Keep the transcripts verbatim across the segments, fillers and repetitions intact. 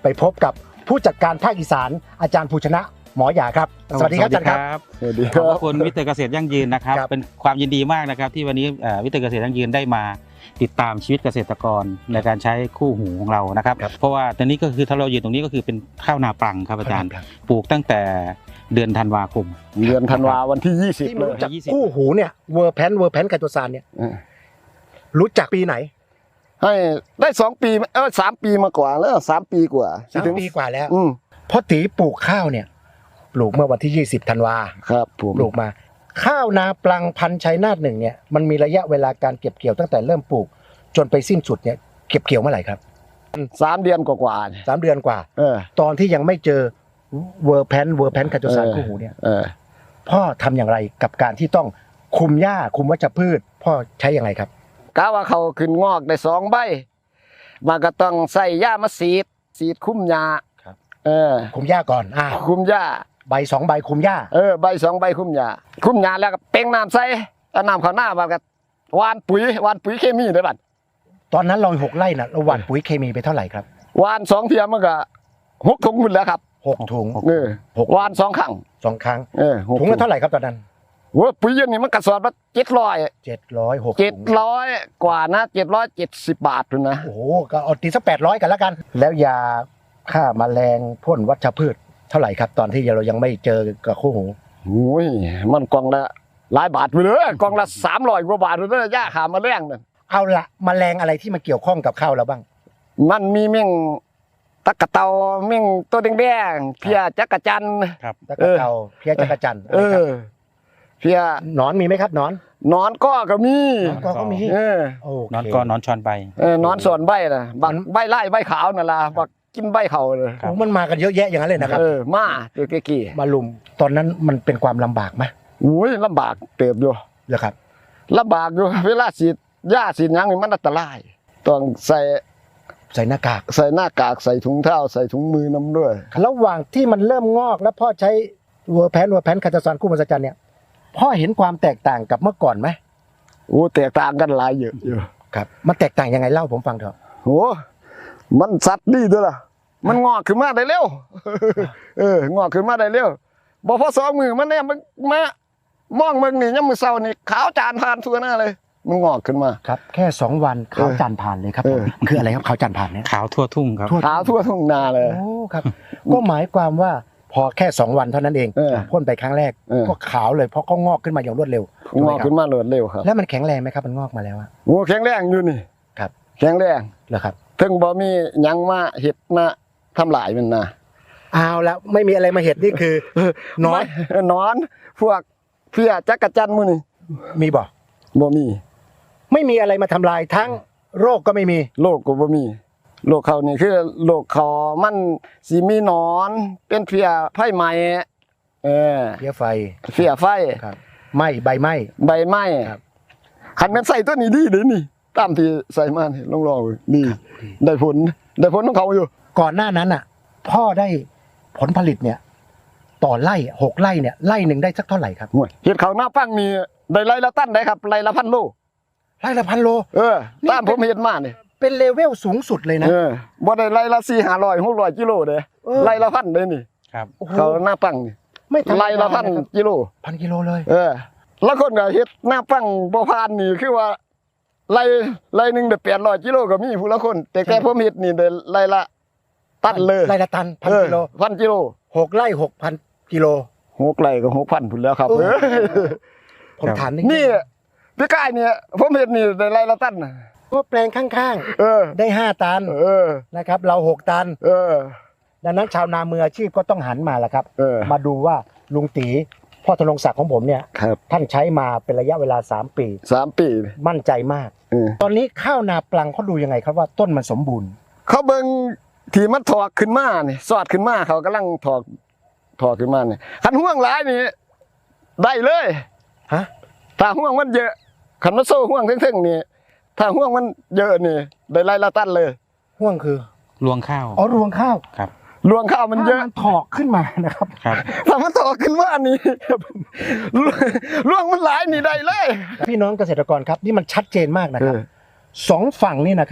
ไปพบกับผู้จัดการภาคอีสานอาจารย์ภูชนะหมอหยาครับสวัสดีครับอาจารย์ครับสวัสดีครับขอบคุณวิทย์เกษตรยั่งยืนนะครับเป็นความยินดีมากนะครับที่วันนี้วิทย์เกษตรยั่งยืนได้มาติดตามชีวิตเกษตรกรในการใช้คู่หูของเรานะครับเพราะว่าตอนนี้ก็คือถ้าเรายืนตรงนี้ก็คือเป็นข้าวนาปลังครับอาจารย์ปลูกตั้งแต่เดือนธันวาคมเดือนธันวาวันที่ยี่สิบเลยจากคู่หูเนี่ยเวอร์แพนเวอร์แพนไคโตซานเนี่ยรู้จักปีไหนให้ได้สองปีเออสามปีมากว่าแล้วสามปีกว่าสามปีกว่าแล้วพอตีปลูกข้าวเนี่ยปลูกเมื่อวันที่ยี่สิบธันวาครับผมปลูกมาข้าวนาปลังพันธุ์ชัยนาทหนึ่งเนี่ยมันมีระยะเวลาการเก็บเกี่ยวตั้งแต่เริ่มปลูกจนไปสิ้นสุดเนี่ยเก็บเกี่ยวเมื่อไหร่ครับสามเดือนกว่าสามเดือนกว่าเออตอนที่ยังไม่เจอเวอร์แพนเวอร์แพนไคโตซานคู่หูเนี่ยพ่อทำอย่างไรกับการที่ต้องคุมหญ้าคุมวัชพืชพ่อใช้อย่างไรครับกะว่าเขาขึ้นงอกได้สองใบมันก็ต้องใส่หญ้ามาสีดสีดคุมหญ้าเออคุมหญ้าก่อนอ่าคุมหญ้าใบสองใบคุมหญ้าเออใบสองใบคุมหญ้าคุมหญ้าแล้วก็เป่งน้ำใส่เอาน้ำเข้าหน้ามันก็หว่านปุ๋ยหว่านปุ๋ยเคมีได้บัดตอนนั้นเราหกไร่น่ะเราหว่านปุ๋ยเคมีไปเท่าไหร่ครับหว่านสองเทียมมันก็หกถุงหมดแล้วครับหกถุงเออหว่านสองครั้งสองครั้งเออถุงละเท่าไหร่ครับตอนนั้นโอ้ปุ๋ยเย็นนี่มันกระสอบละเจ็ดร้อยเจ็ดร้อยหกเจ็ดร้อยกว่านะเจ็ดร้อยเจ็ดสิบบาทเลยนะโอ้โหก็เอาตีสักแปดร้อยกันแล้วกันแล้วยาฆ่าแมลงพ่นวัชพืชเท่าไหร่ครับตอนที่เรายังไม่เจอกับคู่หูโอ้ยมันกล่องละหลายบาทไปเลยกล่องละสามร้อยกว่าบาทเลยยาฆ่าแมลงนั่นเอาละแมลงอะไรที่มาเกี่ยวข้องกับข้าวเราบ้างมันมีเมี่ยงตะกะเตาเมี่ยงตัวแดงๆเพียจักระจันครับตะกะเตาเพียจักระจันเออเพียหนอนมีไหมครับหนอนหนอนก็ก็มีหนอนก็ก็มีเออหนอนก็หนอนชอนใบเออหนอนส่วนใบน่ะบักใบไล่ใบขาวนั่นล่ะบักกินใบเขาเลยโอ้มันมากันเยอะแยะอย่างนั้นเลยนะครับเออมาตัวกี่มาลุมตอนนั้นมันเป็นความลำบากไหมโอ้ยลำบากเติบอยู่เหรอครับลำบากอยู่เวลาฉีดหญ้าฉีดหยังนี่มันอันตรายต้องใส่ใส่หน้ากากใส่หน้ากากใส่ถุงเท้าใส่ถุงมือน้ำด้วยระหว่างที่มันเริ่มงอกแล้วพ่อใช้เวอร์แพนเวอร์แพนไคโตซานคู่มหัศจรรย์เนี่ยพ่อเห็นความแตกต่างกับเมื่อก่อนไหมโอ้แตกต่างกันหลายเยอะอยู่ครับมันแตกต่างยังไงเล่าผมฟังเถอะโอ้มันสัตว์ดีด้วยล่ะมันงอกขึ้นมาได้เร็วเอองอกขึ้นมาได้เร็วบ่พอสองมือมันเนี่ยมันมามองมึงนี่ยามมื้อเช้านี่ขาวจานผ่านทั่วหน้าเลยมันงอกขึ้นมาครับแค่สองวันขาวจานผ่านเลยครับคืออะไรครับขาวจานผ่านเนี่ยขาวทั่วทุ่งครับขาวทั่วทุ่งนาเลยโอ้ครับก็หมายความว่าพอแค่สองวันเท่านั้นเองพ่นไปครั้งแรกก็ขาวเลยเพราะเขางอกขึ้นมาอย่างรวดเร็วงอกขึ้นมารวดเร็วครับแล้วมันแข็งแรงไหมครับมันงอกมาแล้วโอ้แข็งแรงอยู่นี่ครับแข็งแรงเหรอครับถึงบ่มีหยังมาเห็ดมาทำลายมันนะเอาแล้วไม่มีอะไรมาเห็ดนี่คือนอนนอนพวกเพี้ยจักระจันมื้อนี่มีบ่บ่มีไม่มีอะไรมาทำลายทั้งโรคก็ไม่มีโรคก็บ่มีโรคเขานี่คือโรคเขามันสิมีหนอนเป็นเพี้ยไฟไหม้เออเพี้ยไฟเพี้ยไฟครับไหม้ใบไหม้ใบไหม้ครับคันแม่นใส่ตัวนี้ดีเด้นี่ตามที่ใส่มานี่ลองลองดีได้ผลได้ผลของเขาอยู่ก่อนหน้านั้นน่ะพ่อได้ผลผลิตเนี่ยต่อไร่หกไร่เนี่ยไร่หนึ่งได้สักเท่าไหร่ครับเห็ดเขาหน้าปังนี่ได้ไร่ละตันได้ครับไร่ละพันโลไร่ละพันโลเออตามผมเห็นมานี่เป็นเลเวลสูงสุดเลยนะเออบ่ได้ไร่ละสี่ห้าร้อยหกร้อยกิโลเด้ไร่ละพันเลยนี่ครับเขาหน้าปังนี่ไม่ไร่ละพันกิโลพันกิโลเลยเออแล้วคนก็เห็ดหน้าปังบ่ผ่านนี่คือว่าไร่ไร่หนึ่งได้แปดร้อยกิโลก็มีผู้ละคนแต่แค่ผมเห็ดนี่ได้ไร่ละตันเลยไร่ละตันพันกิโลพันกิโลหกไร่หกพันกิโลหกไร่ก็หกพันพุ่นแล้วครับผมถามนี่พี่กายเนี่ยผมเห็ดนี่ได้ไร่ละตันว่าแปลงข้างๆได้ห้าตันนะครับเราหกตันดังนั้นชาวนามืออาชีพก็ต้องหันมาแล้วครับมาดูว่าลุงตีพ่อธนงศักดิ์ของผมเนี่ยท่านใช้มาเป็นระยะเวลาสามปีสามปีมั่นใจมากตอนนี้ข้าวนาปลังเขาดูยังไงครับว่าต้นมันสมบูรณ์เขาเบิ่งที่มันถอกขึ้นมาเนี่ยสอดขึ้นมาเขากำลังถอกถอกขึ้นมาเนี่ยขันห่วงหลายนี่ได้เลยฮะถ้าห่วงมันเยอะขันมันโซ่ห่วงเท่งๆนี่ถ้าห่วงมันเยอะนี่ได้ไร่ละตันเลยห่วงคือรวงข้าวอ๋อรวงข้าวครับรวงข้าวมันเยอะมันถอกขึ้นมานะครับครับถ้ามันถอกขึ้นมานี่รวงมันหลายนี่ได้เลยพี่น้องเกษตรกรครับนี่มันชัดเจนมากนะครับสองฝั่งนี่นะครับพ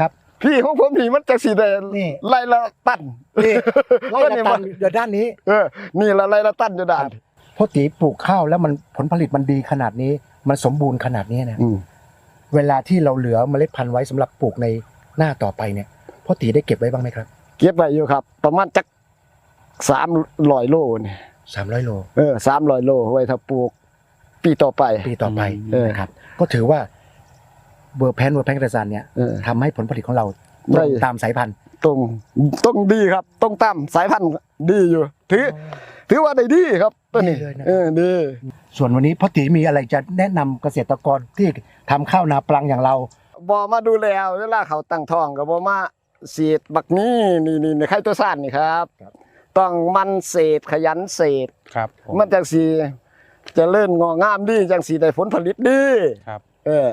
พี่ของผมนี่มันจะสีแดงนี่ไล่ละตันนี่ไล่ละตันเดี๋ยวด้านนี้เออนี่ละไล่ละตันอยู่ด้านพ่อตีปลูกข้าวแล้วมันผลผลิตมันดีขนาดนี้ มันสมบูรณ์ขนาดนี้เนี่ยอืมเวลาที่เราเหลือเมล็ดพันธุ์ไว้สำหรับปลูกในหน้าต่อไปเนี่ยพ่อตีได้เก็บไว้บ้างไหมครับเก็บไว้อยู่ครับ ประมาณจักสามร้อยโลนี่สามร้อยโลเออสามร้อยโลไว้ถ้าปลูกปีต่อไปปีต่อไปเออนะครับ ก็ถือว่าเวอร์แพนเวอร์แพนกระสานเนี่ยเออทำให้ผลผลิตของเราตได้รงตามสายพันธุ์ตรงตรงดีครับตรงตามสายพันธุ์ดีอยู่ ถือ ถือว่าได้ดีครับตัวนี้ดีเลยนะเออดีส่วนวันนี้พ่อตีมีอะไรจะแนะนำเกษตรกรที่ทำข้าวนาปลังอย่างเราบ่มาดูแลเวลาเขาตั้งท้องก็บ่มาฉีดบักนี้นี่นี่นี่ไข่ตัวซ่านนี่ครับครับต้องมันเศษขยันเศษครับผมมันจังสิเจะเลิ่นงอกงามดีจังสิได้ผลผลิตดีครับเออ